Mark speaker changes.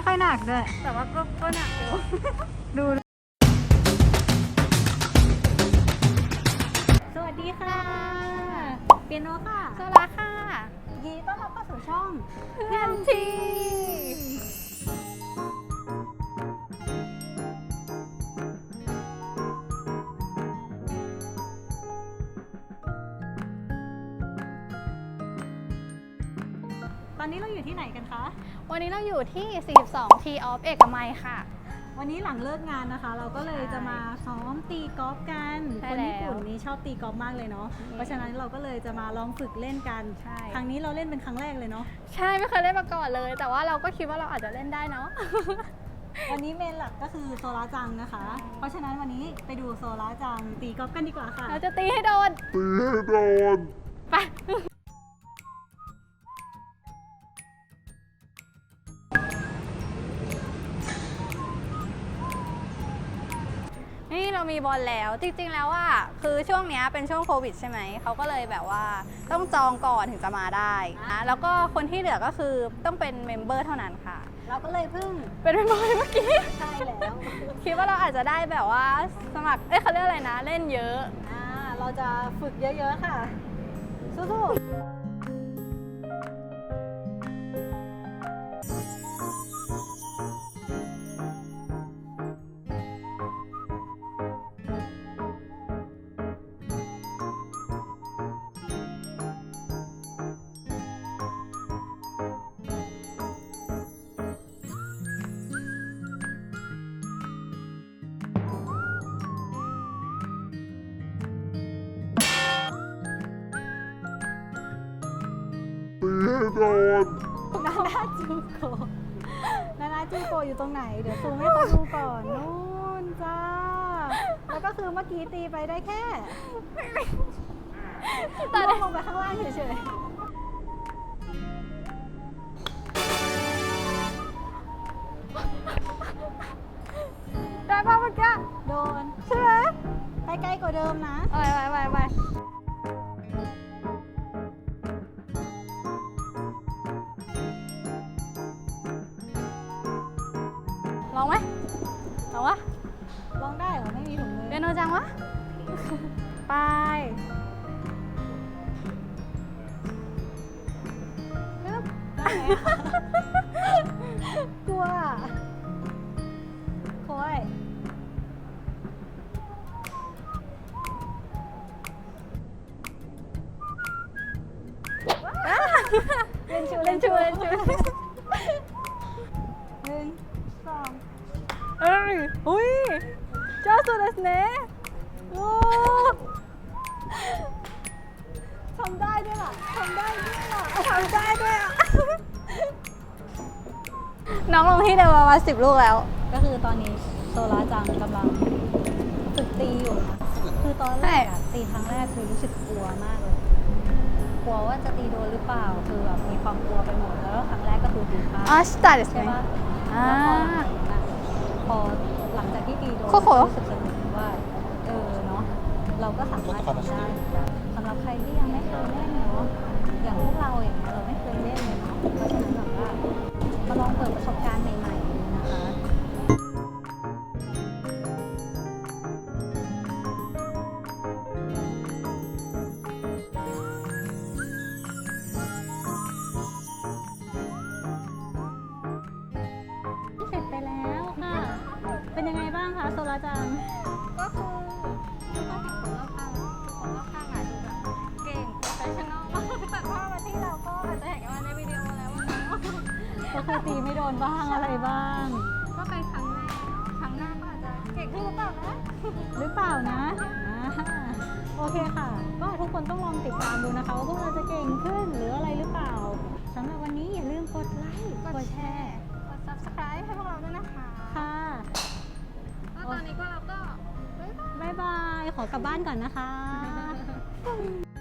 Speaker 1: ค่อยหนักด้วย
Speaker 2: แต่ว่าก็หนักอยู่
Speaker 1: ดูสวัสดีค่ะเปียโนค่ะ
Speaker 2: โซลาค่ะ
Speaker 1: ยินดีต้อนรับเข้าสู่ช่อง
Speaker 2: เพื่อนที
Speaker 1: ตอนนี้เราอยู่ที่ไหนกันคะ
Speaker 2: วันนี้เราอยู่ที่ 42 T of เอกมัยค่ะ
Speaker 1: วันนี้หลังเลิกงานนะคะ เราก็เลยจะมาซ้อมตีกอล์ฟกัน
Speaker 2: ใช่
Speaker 1: คนญี่ปุ่น
Speaker 2: แล้ว
Speaker 1: นี่ชอบตีกอล์ฟมากเลยเนาะ เพราะฉะนั้นเราก็เลยจะมาลองฝึกเล่นกัน
Speaker 2: ใช่
Speaker 1: ครั้งนี้เราเล่นเป็นครั้งแรกเลยเนาะ
Speaker 2: ใช่ไม่เคยเล่นมาก่อนเลย แต่ว่าเราก็คิดว่าเราอาจจะเล่นได้เนาะ
Speaker 1: วันนี้เมนหลักก็คือโซลาจังนะคะ เพราะฉะนั้นวันนี้ไปดูโซลาจังตีกอล์ฟกันดีกว่าค่ะ
Speaker 2: เราจะตีให้โดน ไป นี่เรามีบอลแล้วจริงๆแล้วอ่ะคือช่วงเนี้ยเป็นช่วงโควิดใช่ไหมเขาก็เลยแบบว่าต้องจองก่อนถึงจะมาได้นะแล้วก็คนที่เหลือก็คือต้องเป็นเมมเบอร์เท่านั้นค่ะ
Speaker 1: เราก็เลยเพิ่ง
Speaker 2: เป็นเมมเบอร์เมื่อกี้
Speaker 1: ใช่แล้ว
Speaker 2: คิดว่าเราอาจจะได้แบบว่าสมัครเขาเรียกอะไรนะเล่นเยอะ
Speaker 1: เราจะฝึกเยอะๆค่ะ สู้ๆนานาจูโกนานาจูโกอยู่ตรงไหน เดี๋ยวซูมให้เขาดูก่อนนู่นจ้า แล้วก็คือเมื่อกี้ตีไปได้แค่
Speaker 2: แต่
Speaker 1: ล่วงลงไปข้างล่างเฉย
Speaker 2: ได้ป่ะเมื่อกี้
Speaker 1: ๆ โดน
Speaker 2: ใช่ไหม
Speaker 1: ไปไกลกว่าเดิมนะ
Speaker 2: ไปลองไหมลองวะ
Speaker 1: ลองได้เหรอ ไม่มีถุงมือ
Speaker 2: เปียโนจังวะ ไป
Speaker 1: ปึ๊บได้ไหมอะ กลัวอะโค้ยเล่นชู
Speaker 2: เล่นชู
Speaker 1: หนึ่งสอง
Speaker 2: เอ้ยอุ้ยเจ้าสุดเลยเนะโอ้
Speaker 1: ทำได้ด้วยล่ะทำได้ด้วยล่ะ
Speaker 2: ทำได้ด้วยอ่ะ น้องลงที่เดิมประมาณ10 ลูกแล้ว
Speaker 1: ก็คือตอนนี้โซลาจังกำลังฝึกตีอยู่นะ คือตอนแรกอะตีครั้งแรกคือรู้สึกกลัวมากเลย กลัวว่าจะตีโดนหรือเปล่า คือแบบมีความกลัวไปหมด แล้วครั้งแรกก็คือตีพลาด
Speaker 2: อ่ะสตาร์ทです
Speaker 1: ใช่
Speaker 2: ね
Speaker 1: ปะ
Speaker 2: อ่า
Speaker 1: แล้วพอหลังจากที่ตีโดน
Speaker 2: โคโค่
Speaker 1: รู้สึกสนุกว่าเนาะเราก็สามารถทำได้สำหรับใครที่ยังไม่เคยเล่นเนาะอย่างพวกเราอย่างเงี้ยเราไม่เคยเล่นเลยเนาะเพราะฉะนั้นแบบว่ามาลองเปิดประสบการณ์ใหม่ๆดูนะคะ เสร็จไปแล้วค่ะ เป็นยังไงบ้างคะโซลาจัง
Speaker 2: ก็คือทุกคนเห็นคนรอบข้างคนรอบข้างอาจจะแบบเก่งโปรเฟชชั่นอลมากแต่พอมาที่เราก็อาจจะเห็นกันมาในวิดีโอแล้วว่า
Speaker 1: ก็คือตีไม่โดนบ้างอะไรบ้าง
Speaker 2: ก็เป็นครั้งแรกเนาะครั้งหน้าก็อาจจะเก่งขึ้นหรือเปล่านะ
Speaker 1: หรือเปล่านะโอเคค่ะ ก็ทุกคนต้องลองติดตามดูนะคะว่าพวกเราจะเก่งขึ้นหรืออะไรหรือเปล่าสำหรับวันนี้อย่าลืมกดไลค์กดแชร์
Speaker 2: กด subscribe ให้พวกเราด้วยนะคะ
Speaker 1: ค่ะ
Speaker 2: แล้วตอนนี้ก็เราก็บ๊ายบาย
Speaker 1: บ๊ายบาย ขอกลับบ้านก่อนนะคะ